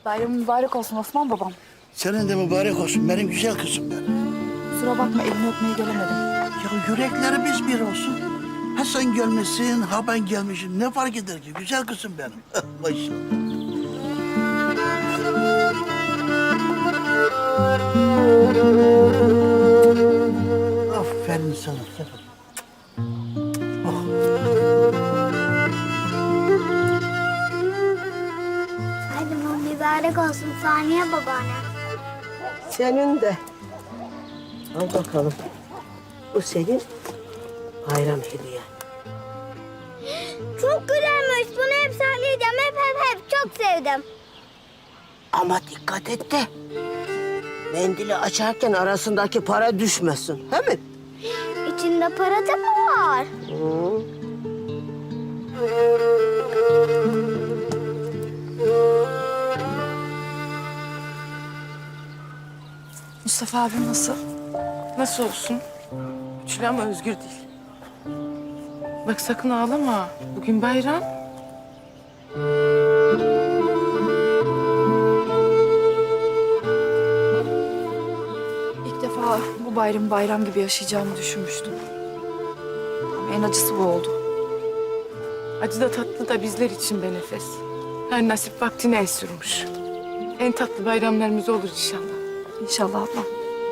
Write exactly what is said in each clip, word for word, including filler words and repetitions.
Bayramın mübarek olsun Osman babam. Senin de mübarek olsun benim güzel kızım benim. Kusura bakma elini öpmeye gelemedim. Ya yüreklerimiz bir olsun. Ha sen gelmişsin, ha ben gelmişim. Ne fark eder ki? Güzel kızım benim. Maşallah. Aferin sana. Oh. Bayramın mübarek olsun Saniye babaanne. Senin de. Al bakalım. Bu senin bayram hediyen. Çok güzelmiş. Bunu hep söyleyeceğim. Hep hep hep çok sevdim. Ama dikkat et de. Mendili açarken arasındaki para düşmesin. He mi? İçinde para da mı var? Hı. Mustafa abim nasıl? Nasıl olsun? Güçlü ama özgür değil. Bak sakın ağlama. Bugün bayram. İlk defa bu bayramı bayram gibi yaşayacağımı düşünmüştüm. Ama en acısı bu oldu. Acı da tatlı da bizler için be Nefes. Her nasip vaktine el sürmüş. En tatlı bayramlarımız olur inşallah. İnşallah ablam.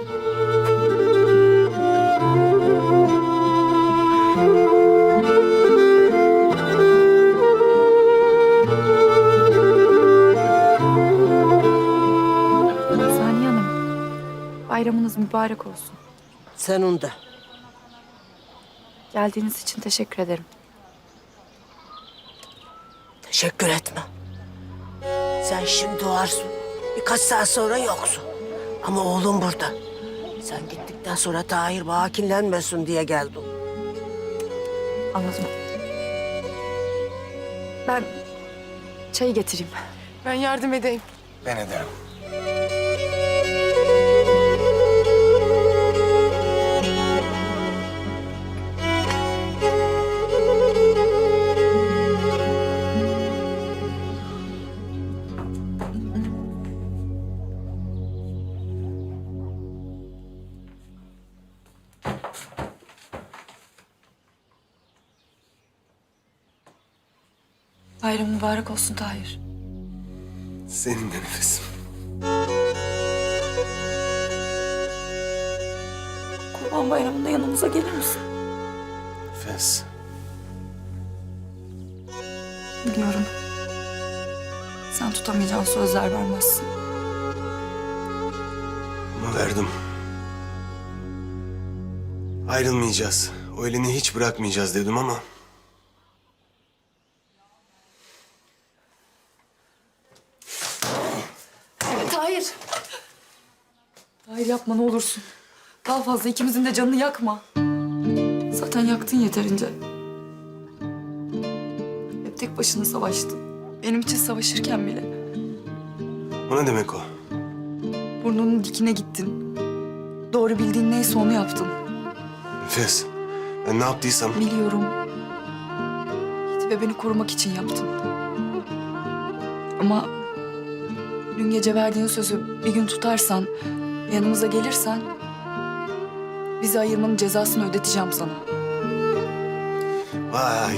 Saniye Hanım, bayramınız mübarek olsun. Senin de. Geldiğiniz için teşekkür ederim. Teşekkür etme. Sen şimdi varsın. Birkaç saat sonra yoksun. Ama oğlum burada. Sen gittikten sonra Tahir bana kinlenmesin diye geldim. Anladım. Ben çayı getireyim. Ben yardım edeyim. Ben ederim. Bayram mübarek olsun Tahir. Senin de nefesim. Kurban Bayramı'nda yanımıza gelir misin? Nefes. Biliyorum. Sen tutamayacağın sözler vermezsin. Ama verdim. Ayrılmayacağız. O elini hiç bırakmayacağız dedim ama... Tahir. Tahir yapma ne olursun. Daha fazla ikimizin de canını yakma. Zaten yaktın yeterince. Hep tek başına savaştın. Benim için savaşırken bile. O ne demek o? Burnunun dikine gittin. Doğru bildiğin neyse onu yaptın. Nefes. Ben ne yaptıysam... Biliyorum. Yiğit ve beni korumak için yaptın. Ama dün gece verdiğin sözü bir gün tutarsan, yanımıza gelirsen... bizi ayırmanın cezasını ödeteceğim sana. Vay.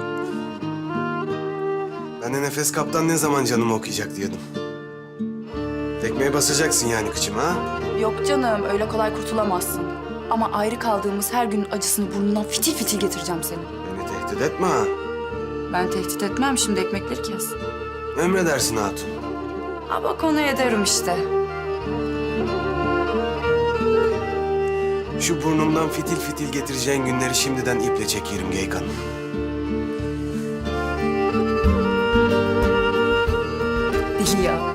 Ben de Nefes Kaptan ne zaman canımı okuyacak diyordum. Tekmeye basacaksın yani kıçıma ha? Yok canım, öyle kolay kurtulamazsın. Ama ayrı kaldığımız her günün acısını burnundan fitil fitil getireceğim seni. Beni tehdit etme ha. Ben tehdit etmem, şimdi ekmekleri kes. Emredersin hatun. Ha bak onu ederim işte. Şu burnumdan fitil fitil getireceğin günleri şimdiden iple çekerim Geykan. Deli ya.